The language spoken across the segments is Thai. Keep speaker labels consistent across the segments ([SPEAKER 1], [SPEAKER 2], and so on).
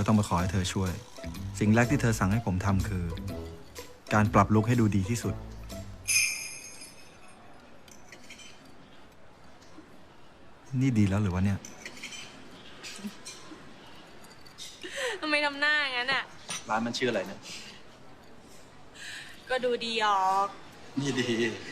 [SPEAKER 1] ต้องมาขอให้เธอช่วย สิ่งแรกที่เธอสั่งให้ผมทำคือ การปรับลุคให้ดูดีที่สุดนี่ดีแล้วหรือวะเนี่ย
[SPEAKER 2] ทำไมทำหน้าอย่างนั้นอ่ะ
[SPEAKER 3] ร้านมันชื่ออะไรนะ
[SPEAKER 2] ก็ดูดีออก
[SPEAKER 3] นี่ดี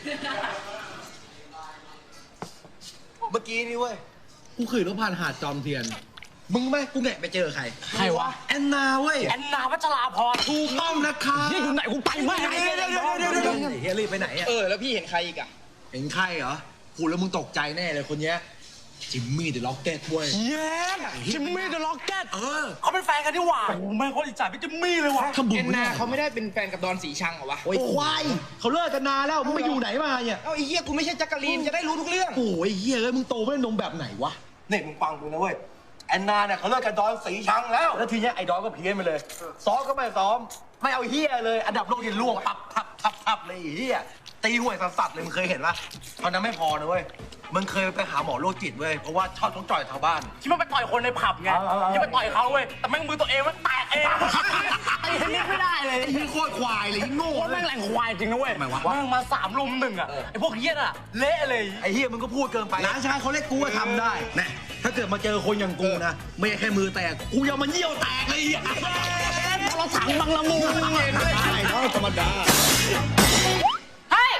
[SPEAKER 3] เมื่อกี้นี่เว้ย
[SPEAKER 4] กูขี่รถผ่านหาดจอมเทียน มึงไหมกูแงะไปเจอใคร
[SPEAKER 5] ใครวะ
[SPEAKER 4] แอนนาเว้ย
[SPEAKER 5] แอนนาวัชราพร
[SPEAKER 4] ถูกต้องนะคะ
[SPEAKER 5] นี่อยู่ไหนกูไปไม่
[SPEAKER 4] เฮียรีบไปไหนอ่ะ
[SPEAKER 6] แล้วพี่เห็นใครอีกอ่ะ
[SPEAKER 4] เห็นใครเหรอพูดแล้วมึงตกใจแน่เลยคนเนี้ยจิมมี่เดอะล็อกเก็ตเว้ย
[SPEAKER 5] เย้จิมมี่เดอะล็อกเก็ตเขาเป็นแฟนกันนี่หว่าโอ้แม่งเขาอิจฉาพี่จิมมี่เลยว่ะ
[SPEAKER 4] ถ้าบุญ
[SPEAKER 6] แอนนาเขาไม่ได้เป็นแฟนกับดอนสีชังเหรอวะ
[SPEAKER 4] โอ้ยควายเขาเลิกกันนานแล้วมึงไปอยู่ไหนมาเนี่ย
[SPEAKER 6] เอ้าไอ้เหี้ยกูไม่ใช่จักรีนจะได้รู้ทุกเรื่อง
[SPEAKER 4] โอ้ยเฮียเอ้ยมึงโตไม่ได้นมแบบไหนวะ
[SPEAKER 3] นี่มึงฟังกูนะเว้ย แอนนาเนี่ยเขาเลิกกันดอนสีชังแล้ว แล้วทีเนี้ยไอ้ดอนก็เพี้ยนไปเลย ซ้อมก็ไม่ซ้อม ไม่เอาเฮียเลย อันดับโลกที่ล่วงทับเลยไอ้เฮียตีห่วยสัสๆเลยมึงเคยเห็นปะตอนนั้นไม่พอนะเว้ย มึงเคยไปหาหมอโรคจิตเว้ย เพราะว่าชอบต้องจ่อยชาวบ้าน
[SPEAKER 5] ที่มันไปต่อยคนในผับไงที่ไปต่อยเขาเว้ยแต่แม่งมือตัวเองมันแตกเองไอ้เหี้ยไม่ได้เลย
[SPEAKER 4] ไอ้เฮียโคตรควายเลยโง่
[SPEAKER 5] โคตร
[SPEAKER 4] เล
[SPEAKER 5] แม่
[SPEAKER 4] ย
[SPEAKER 5] งแรงควายจริงนะเว้ย
[SPEAKER 4] ทำไมวะ
[SPEAKER 5] แม่งมา3 ลุม 1อ่ะไอ้พวกเหี้ยน่ะเละเลย
[SPEAKER 3] ไอ้เฮียมึงก็พูดเกินไป
[SPEAKER 4] ร้านชายเขาเล็กกูก็ทำได้นะถ้าเกิดมาเจอคนอย่างกูนะ ไม่ใช่แค่มือแตก กูยังมันเยี่ยวแตกเลยอ่ะ
[SPEAKER 5] เราถังบังละมุง
[SPEAKER 4] ใช่เนาะธรรมดา
[SPEAKER 2] เฮ้ย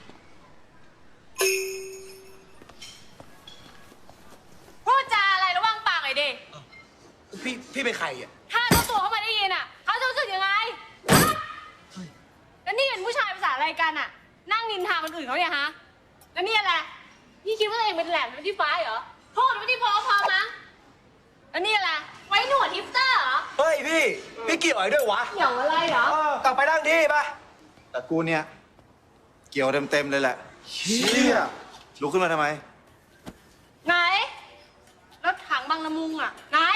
[SPEAKER 2] พูดจาอะไรระวังปากหน่อยดิ
[SPEAKER 3] พี่เป็นใครอ่ะ
[SPEAKER 2] ถ้าเจ้าตัวเขามาได้ยินอ่ะเขาจะรู้สึกยังไงฮะแล้วนี่เป็นผู้ชายภาษาอะไรกันอ่ะ นั่งนินทาคนอื่นเขาเนี่ยฮะแล้วนี่อะไรพี่คิดว่าตัวเองเป็นแหลมเป็นที่ฟ้าเหรอโทษไม่ที่พอมั้งแล้วนี่อะไรไว้หนวดฮิปสเตอร์เหรอ
[SPEAKER 3] เฮ้ยพี่เกี่ยวอะไรด้วยวะ
[SPEAKER 2] เกี่ยวอะไรเหรอ
[SPEAKER 3] กลับไปนั่งที่ปะแต่กูเนี่ย เกี่ยวเต็มเลยแหละเชี่ยลุกขึ้นมาทำไม
[SPEAKER 2] ไหนรถถังบางละมุงอ่ะไหน